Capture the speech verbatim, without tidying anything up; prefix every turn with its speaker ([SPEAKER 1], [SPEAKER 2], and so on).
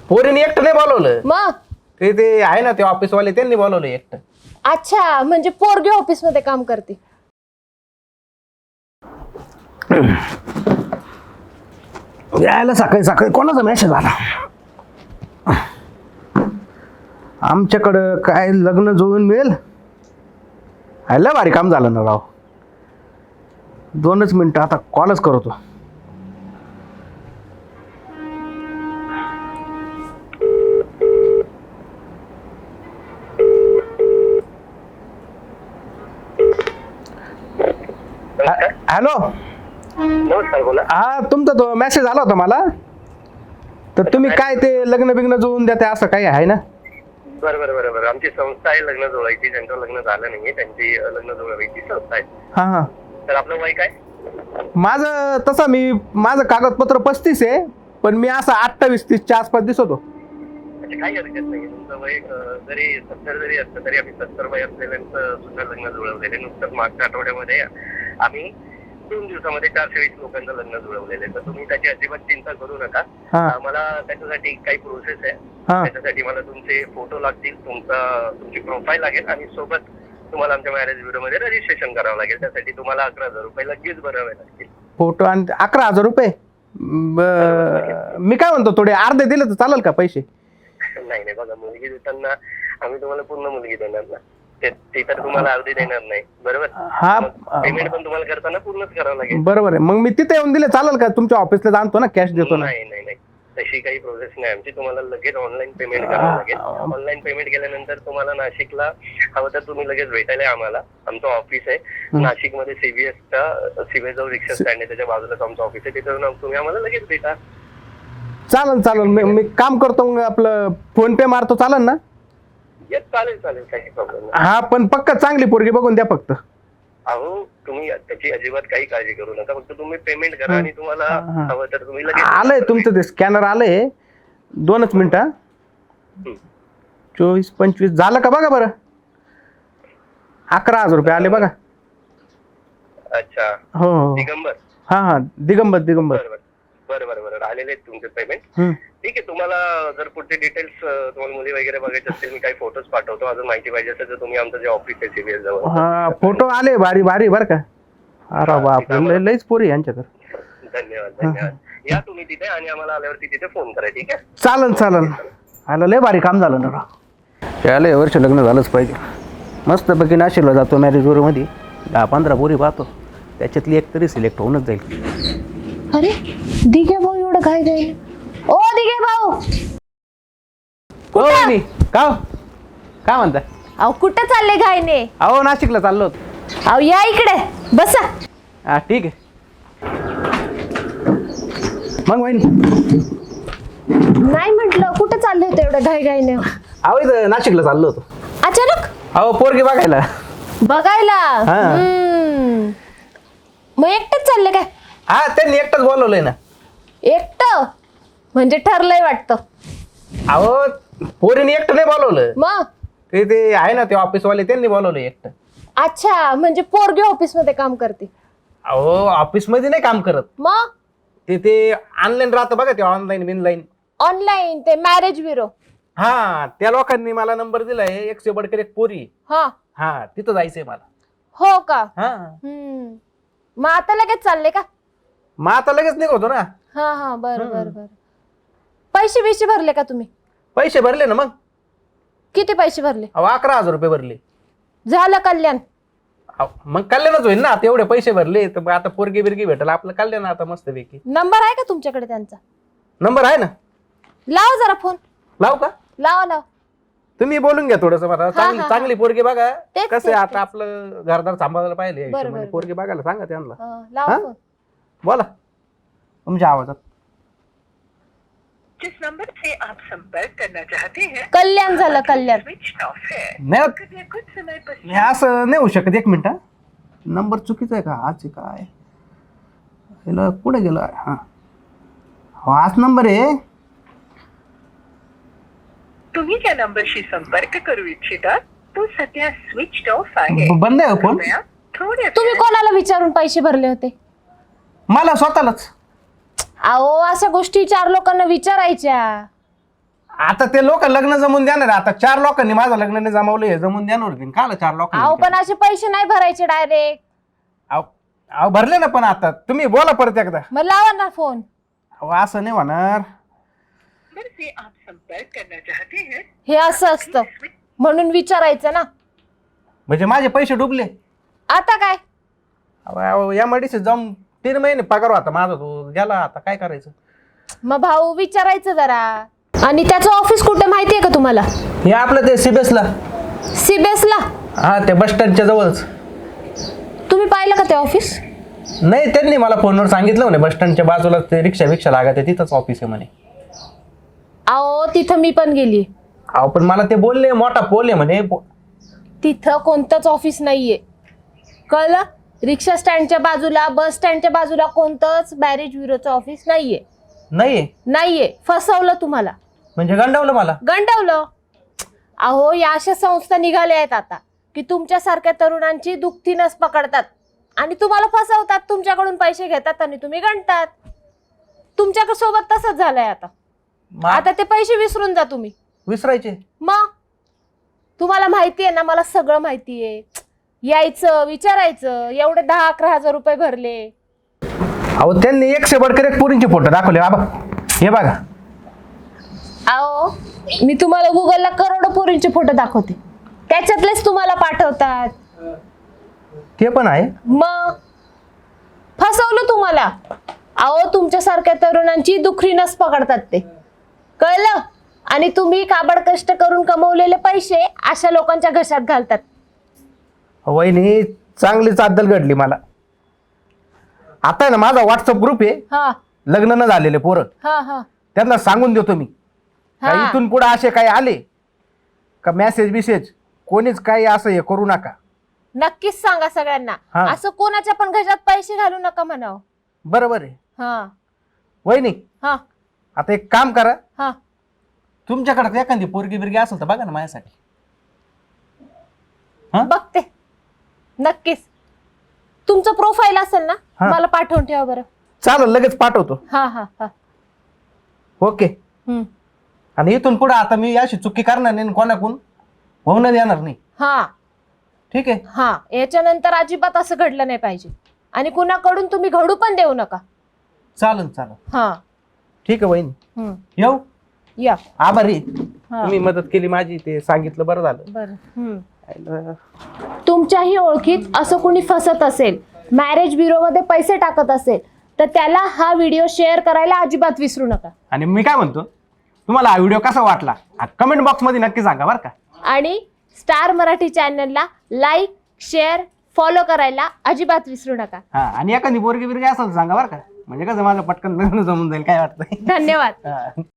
[SPEAKER 1] पोरीने एकटं नाही बोलवलं,
[SPEAKER 2] मग
[SPEAKER 1] ते ते आहे ना ते ऑफिसवाले त्यांनी बोलवलं एकटं.
[SPEAKER 2] अच्छा, म्हणजे पोरगी ऑफिस मध्ये काम करते.
[SPEAKER 1] यायला सकाळी सकाळी कोणाचा मेसेज आला. आमच्याकडं काय लग्न जुळून मिळेल. लय भारी काम झालं ना राव. दोनच मिनिटं आता कॉलच करतो. हॅलो,
[SPEAKER 3] नमस्कार, बोला.
[SPEAKER 1] हा तुमचा तो मेसेज आला होता मला. तर तुम्ही काय ते लग्न बिग्न जुळून द्या असं काही आहे ना?
[SPEAKER 3] बरं बरं बरं बरं आमची संस्था आहे लग्न जुळवायची. ज्यांचं लग्न झालं नाहीये त्यांची लग्न जुळवायची संस्था आहे.
[SPEAKER 1] हा हा.
[SPEAKER 3] तर आपलं वय काय?
[SPEAKER 1] माझं तसं मी माझं कागदपत्र पस्तीस आहे, पण मी असं अठ्ठावीस तीसच्या आसपास दिसतो.
[SPEAKER 3] म्हणजे काही हरकत नाही. तुमचं वय अं, जरी सत्तर जरी असलं तरी आम्ही सत्तर वय असलेल्यांचं सुद्धा लग्न जुळवलेले. नुकतंच मागच्या आठवड्यामध्ये आम्ही दोन दिवसामध्ये चारशे वीस लोकांचं लग्न जुळवलेलं आहे. तर तुम्ही त्याची अजिबात चिंता करू नका. मला त्याच्यासाठी काही प्रोसेस आहे. त्याच्यासाठी मला तुमचे फोटो लागतील, तुमचा तुमची प्रोफाईल लागेल आणि सोबत तुम्हाला आमच्या मॅरेज ब्युरो मध्ये रजिस्ट्रेशन करावं लागेल. त्यासाठी तुम्हाला अकरा हजार रुपये लगेच भरावे लागतील.
[SPEAKER 1] फोटो आणि अकरा हजार रुपये मी काय म्हणतो, थोडे अर्धे दिले तर चालेल का पैसे?
[SPEAKER 3] नाही नाही, बघा मुलगी देताना आम्ही तुम्हाला पूर्ण मुलगी देणार ना. ते तर तुम्हाला अर्धी देणार नाही, बरोबर?
[SPEAKER 1] हा,
[SPEAKER 3] पेमेंट पण तुम्हाला करताना पूर्णच करावं लागेल.
[SPEAKER 1] बरोबर आहे. मग मी तिथे येऊन दिले चालेल का? तुमच्या ऑफिसला जाणतो ना, कॅश देतो ना.
[SPEAKER 3] नाही नाही नाही, तशी काही प्रोसेस नाही आमची. तुम्हाला लगेच ऑनलाईन पेमेंट करावं लागेल. ऑनलाईन पेमेंट केल्यानंतर तुम्हाला नाशिकला हवं तर तुम्ही लगेच भेटायला आम्हाला. आमचं ऑफिस आहे नाशिक मध्ये सीबीएसच्या सीबीएस जवळ रिक्षा स्टँड आहे, त्याच्या बाजूलाच आमचं ऑफिस आहे. तिथे तुम्ही आम्हाला लगेच भेटा.
[SPEAKER 1] चालेल चालेल. मी मी काम करतो, मग आपलं फोन पे मारतो, चालेल ना?
[SPEAKER 3] येस, चालेल चालेल, काही प्रॉब्लेम नाही.
[SPEAKER 1] हा, पण पक्का चांगली पोरगी बघून द्या फक्त.
[SPEAKER 3] अहो तुम्ही त्याची अजिबात काही काळजी करू नका. फक्त तुम्ही पेमेंट करा आणि तुम्हाला हवं तर तुम्ही लगेच.
[SPEAKER 1] आलंय तुमचं ते स्कॅनर आलंय. दोनच मिनिटं. चोवीस पंचवीस झालं का बघा बरं. अकरा हजार रुपये आले बघा.
[SPEAKER 3] अच्छा,
[SPEAKER 1] हो हो.
[SPEAKER 3] दिगंबर.
[SPEAKER 1] हा हा, दिगंबर दिगंबर.
[SPEAKER 3] बरं बरं बरं बरं आलेले आहेत तुमचे पेमेंट. ठीक आहे. तुम्हाला जर पुढचे डिटेल्स तुम्हाला मुली वगैरे बघायचे असतील, मी काही फोटोज पाठवतो. अजून माहिती पाहिजे असेल तर तुम्ही आमचं जे ऑफिस आहे सीबीएस जवळ.
[SPEAKER 1] हा, फोटो आले भारी भारी बरं का. अरे बाप, लईच पोरी यांच्याकडे.
[SPEAKER 3] धन्यवाद धन्यवाद. या तुम्ही तिथे आणि आम्हाला आल्यावरती तिथे फोन करा. ठीक आहे,
[SPEAKER 1] चालन चालन. आलं लय भारी काम झालं ना. त्याला या वर्ष लग्न झालंच पाहिजे. मस्तपैकी नाशिकला जातो मॅरेज ब्युरोमध्ये, दहा पंधरा पोरी पाहतो, त्याच्यातली एक तरी सिलेक्ट होऊनच जाईल.
[SPEAKER 2] अरे दिघे भाऊ एवढं काय काय? ओ दिघे भाऊ,
[SPEAKER 1] कोणी का काय म्हणता?
[SPEAKER 2] अहो कुठं चालले घाईने?
[SPEAKER 1] अहो नाशिकला चाललो होतो.
[SPEAKER 2] अहो या इकडे बसा.
[SPEAKER 1] हा ठीक आहे. मग वहिनी
[SPEAKER 2] नाही म्हटलं कुठं चालले होते एवढं घाई घाईने?
[SPEAKER 1] अहो इथं नाशिकला चाललो होतो.
[SPEAKER 2] अचानक?
[SPEAKER 1] अहो पोरगी बघायला.
[SPEAKER 2] बघायला?
[SPEAKER 1] हा.
[SPEAKER 2] हम्म. मग एकटेच चालले काय?
[SPEAKER 1] हा, त्यांनी एकटंच बोलवलंय ना.
[SPEAKER 2] एकटं म्हणजे ठरलंय वाटतं.
[SPEAKER 1] अहो पोरीने एकटं नाही बोलवलं,
[SPEAKER 2] मग
[SPEAKER 1] ते ते आहे ना ते ऑफिसवाले त्यांनी बोलवलं एकटं.
[SPEAKER 2] अच्छा, म्हणजे पोरगी ऑफिस मध्ये काम करते?
[SPEAKER 1] अहो ऑफिस मध्ये नाही काम करत.
[SPEAKER 2] मग
[SPEAKER 1] ते ते ऑनलाईन राहतं बघा, ते ऑनलाईन बिनलाईन.
[SPEAKER 2] ऑनलाईन ते मॅरेज ब्युरो?
[SPEAKER 1] हा, त्या लोकांनी मला नंबर दिलाय. एकशे बडकर एक पोरी.
[SPEAKER 2] हा
[SPEAKER 1] हा, तिथं जायचंय मला.
[SPEAKER 2] हो का?
[SPEAKER 1] हा,
[SPEAKER 2] हम्म. मग आता लगेच चालले का?
[SPEAKER 1] मग आता लगेच निघतो ना.
[SPEAKER 2] हा हा, बर बर बर. पैसे बिशे भरले का तुम्ही?
[SPEAKER 1] पैसे भरले ना. मग
[SPEAKER 2] किती पैसे भरले?
[SPEAKER 1] अहो अकरा हजार रुपये भरले.
[SPEAKER 2] झालं कल्याण?
[SPEAKER 1] अहो, मग कल्याणच होईल ना. आता एवढे पैसे भरले तर मग आता पोरगी बिरगी भेटल आपलं कल्याण आता मस्त पैकी.
[SPEAKER 2] नंबर आहे का तुमच्याकडे त्यांचा?
[SPEAKER 1] नंबर आहे ना.
[SPEAKER 2] लावा जरा फोन.
[SPEAKER 1] लावू का?
[SPEAKER 2] लावा लावा.
[SPEAKER 1] तुम्ही बोलून घ्या थोडस मला. चांगली
[SPEAKER 2] हा.
[SPEAKER 1] चांगली पोरगी बघा.
[SPEAKER 2] तेच,
[SPEAKER 1] कसं
[SPEAKER 2] तेच,
[SPEAKER 1] आहे
[SPEAKER 2] तेच.
[SPEAKER 1] आता आपलं घरदार सांभाळायला पाहिजे.
[SPEAKER 2] बरं, बरं,
[SPEAKER 1] पोरगी बघायला सांगा त्यांना.
[SPEAKER 2] हा, लावा
[SPEAKER 1] हा?
[SPEAKER 2] फोन.
[SPEAKER 1] बोला तुमच्या आवाजात.
[SPEAKER 4] जिस नंबर से आप संपर्क करना चाहते हैं
[SPEAKER 2] कल्याण झालं कल्याण.
[SPEAKER 4] स्विच ऑफ है.
[SPEAKER 1] नाही
[SPEAKER 4] कृपया कुछ समय पश्चात
[SPEAKER 1] हे असं नाही होऊ शकत. एक मिनिट. नंबर चुकीचा आहे का? हाच आहे काय? ह्याला कुठे गेला? हा, हाच नंबर आहे.
[SPEAKER 4] तुम्ही ज्या नंबरशी संपर्क करू इच्छिता तो सध्या स्विच ऑफ आहे.
[SPEAKER 1] ब- बंद आहे फोन.
[SPEAKER 4] कृपया थोड्या
[SPEAKER 2] तुम्ही कोणाला विचारून पैसे भरले होते?
[SPEAKER 1] मला स्वतःलाच.
[SPEAKER 2] अहो अशा गोष्टी चार लोकांना विचारायच्या.
[SPEAKER 1] आता ते लोक लग्न जमून देणार आहे. आता चार लोकांनी माझं लग्न नाही जमावलं हे जमून देणार होते काला चार
[SPEAKER 2] अहो
[SPEAKER 1] लोकांनी
[SPEAKER 2] पण असे पैसे नाही भरायचे डायरेक्ट.
[SPEAKER 1] अहो अहो, भरले ना पण आता तुम्ही बोला परत एकदा.
[SPEAKER 2] मग लावा ना फोन.
[SPEAKER 1] अहो असं नाही होणार.
[SPEAKER 4] नंबर से आप संपर्क करना चाहते हैं
[SPEAKER 2] हे असं असतं म्हणून विचारायचं ना.
[SPEAKER 1] म्हणजे माझे पैसे डुबले.
[SPEAKER 2] आता काय
[SPEAKER 1] अहो, अहो, या मडीशी जाऊन तीन महिने पगार होता माझा तो गेला आता काय करायचं.
[SPEAKER 2] मग भाऊ विचारायचं जरा. आणि त्याचं ऑफिस कुठे माहितीये का तुम्हाला?
[SPEAKER 1] हे आपलं ते सीबीएसला.
[SPEAKER 2] सीबीएसला?
[SPEAKER 1] हा ते बस स्टँडच्या जवळच.
[SPEAKER 2] तुम्ही पाहिलं का ते ऑफिस?
[SPEAKER 1] नाही त्यांनी मला फोनवर सांगितलं म्हणे बस स्टँडच्या बाजूला ते रिक्षा रिक्षा लागत आहे तिथंच ऑफिस आहे म्हणे.
[SPEAKER 2] अहो तिथं मी पण गेली.
[SPEAKER 1] अहो पण मला ते बोलले मोठा पोल आहे म्हणे.
[SPEAKER 2] तिथं कोणतंच ऑफिस नाहीये कळलं. रिक्षा स्टँडच्या बाजूला बस स्टँडच्या बाजूला कोणतंच मॅरेज ब्युरोचं ऑफिस नाहीये.
[SPEAKER 1] नाहीये
[SPEAKER 2] नाहीये. फसवलं तुम्हाला.
[SPEAKER 1] म्हणजे गंडवलं मला.
[SPEAKER 2] गंडवलं. अहो या अशा संस्था निघाल्या आहेत आता की तुमच्यासारख्या तरुणांची दुखती नस पकडतात आणि तुम्हाला फसवतात. तुमच्याकडून पैसे घेतात आणि तुम्ही गंडतात. तुमच्या सोबत तसंच झालंय आता.
[SPEAKER 1] मा-
[SPEAKER 2] आता ते पैसे विसरून जा तुम्ही.
[SPEAKER 1] विसरायचे.
[SPEAKER 2] मग तुम्हाला माहितीये ना मला सगळं माहितीये. यायचं विचारायचं एवढे दहा अकरा हजार रुपये भरले.
[SPEAKER 1] अहो त्यांनी एकशे बडकर एक पोरींचे फोटो दाखवले बाबा हे बघा.
[SPEAKER 2] अहो मी तुम्हाला गुगलला करोडो पोरींचे फोटो दाखवते त्याच्यातलेच तुम्हाला पाठवतात.
[SPEAKER 1] ते पण आहे.
[SPEAKER 2] मग फसवलं तुम्हाला. अहो तुमच्यासारख्या तरुणांची दुखरी नस पकडतात ते कळलं. आणि तुम्ही काबड कष्ट करून कमवलेले पैसे अशा लोकांच्या घशात घालतात.
[SPEAKER 1] वहिनी चांगलीच अद्दल घडली मला. आता आहे ना माझा व्हॉट्सअप ग्रुप आहे
[SPEAKER 2] हा
[SPEAKER 1] लग्न न झालेले पोरं
[SPEAKER 2] हा हा
[SPEAKER 1] त्यांना सांगून देतो मी.
[SPEAKER 2] हा.
[SPEAKER 1] का इथून पुढे असे काही आले का मेसेज बिसेज कोणीच काही असं हे करू नका.
[SPEAKER 2] नक्कीच सांगा सगळ्यांना.
[SPEAKER 1] हा.
[SPEAKER 2] असं कोणाच्या पण घशात पैसे घालू नका म्हणावं.
[SPEAKER 1] बरोबर आहे.
[SPEAKER 2] हा
[SPEAKER 1] वहिनी
[SPEAKER 2] हा
[SPEAKER 1] आता एक काम करा
[SPEAKER 2] हा
[SPEAKER 1] तुमच्याकडे एखादी पोरगी बिरगी असेल तर बघा ना माझ्यासाठी. हा?
[SPEAKER 2] बघते नक्कीच. तुमचं प्रोफाईल असेल ना
[SPEAKER 1] हा.
[SPEAKER 2] मला पाठवून ठेवा बरं.
[SPEAKER 1] चालेल लगेच पाठवतो.
[SPEAKER 2] हा हा हा
[SPEAKER 1] ओके.
[SPEAKER 2] हम्म.
[SPEAKER 1] आणि इथून पुढे आता मी अशी चुकी करणार नाही कोणाकून होऊन देणार नाही.
[SPEAKER 2] हा
[SPEAKER 1] ठीक आहे.
[SPEAKER 2] हा याच्यानंतर अजिबात असं घडलं नाही पाहिजे आणि कुणाकडून तुम्ही घडू पण देऊ नका.
[SPEAKER 1] चालेल चालेल
[SPEAKER 2] हा
[SPEAKER 1] ठीक आहे वहिनी.
[SPEAKER 2] हम्म.
[SPEAKER 1] येऊ.
[SPEAKER 2] या
[SPEAKER 1] आभारी
[SPEAKER 2] हा.
[SPEAKER 1] तुम्ही मदत केली माझी ते सांगितलं बरं झालं.
[SPEAKER 2] बरं हम्म.
[SPEAKER 1] आयलं.
[SPEAKER 2] तुमच्याही ओळखीत असं कोणी फसत असेल मॅरेज ब्युरोमध्ये पैसे टाकत असेल तर त्याला हा व्हिडिओ शेअर करायला अजिबात विसरू नका.
[SPEAKER 1] आणि मी काय म्हणतो तुम्हाला हा व्हिडिओ कसा वाटला कमेंट बॉक्समध्ये नक्की सांगा बरं का.
[SPEAKER 2] आणि स्टार मराठी चॅनलला लाईक शेअर फॉलो करायला अजिबात विसरू नका.
[SPEAKER 1] हा आणि एखादी पोरगी बिरगी असेल तर सांगा बरं का म्हणजे कसं माझं पटकन लग्न जमून जाईल काय वाटतंय.
[SPEAKER 2] धन्यवाद.
[SPEAKER 1] हा.